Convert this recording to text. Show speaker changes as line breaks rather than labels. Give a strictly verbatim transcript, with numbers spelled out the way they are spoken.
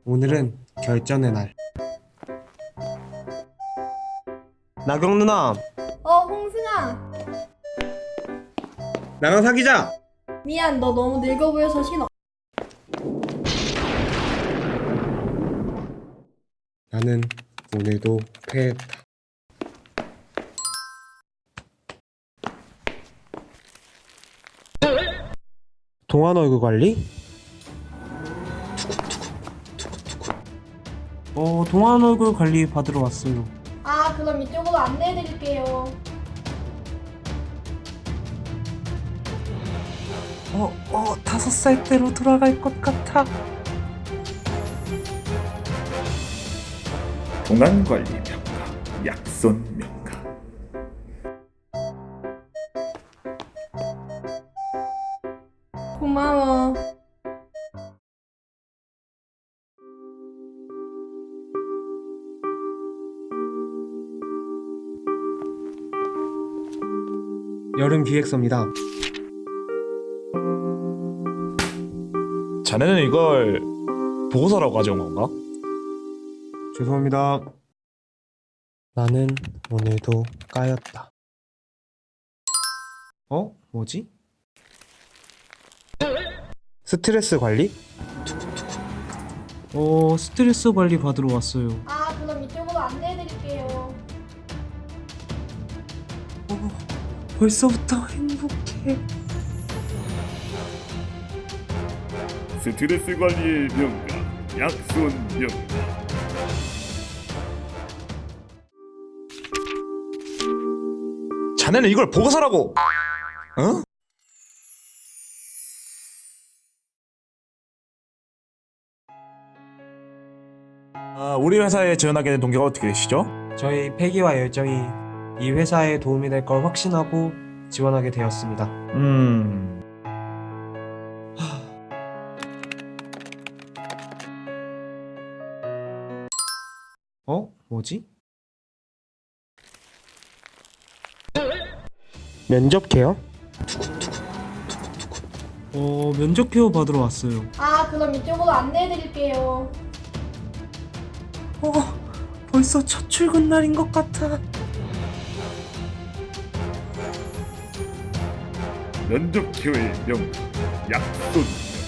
오늘은 결전의 날. 나경 누나,
어, 홍승아.
나랑 사귀자.
미안, 너 너무 늙어 보여서 싫어.
나는 오늘도 패했다. 동안 얼굴 관리?
어, 동안 얼굴 관리 받으러 왔어요.
아, 그럼 이쪽으로 안내해드릴게요.
어, 어, 다섯 살 때로 돌아갈 것 같아.
동안관리 명가, 약손 명가.
고마워.
여름 기획서입니다.
자네는 이걸 보고서라고 가져온 건가?
죄송합니다. 나는 오늘도 까였다. 어? 뭐지? 스트레스 관리?
어, 스트레스 관리 받으러 왔어요.
아, 그럼 이쪽으로 안내해드릴게요.
어, 벌써부터 행복해.
스트레스 관리의 명가, 약손 명가. 자네는 이걸 보고서라고! 어? 아, 우리 회사에 지원하게 된 동기가 어떻게 되시죠?
저희 패기와 열정이 이 회사에 도움이 될 걸 확신하고 지원하게 되었습니다.
음...
어? 뭐지? 면접 케어?
어, 면접 케어 받으러 왔어요.
아, 그럼 이쪽으로 안내해드릴게요.
어, 벌써 첫 출근 날인 것 같아.
면접 기회의 명가, 약손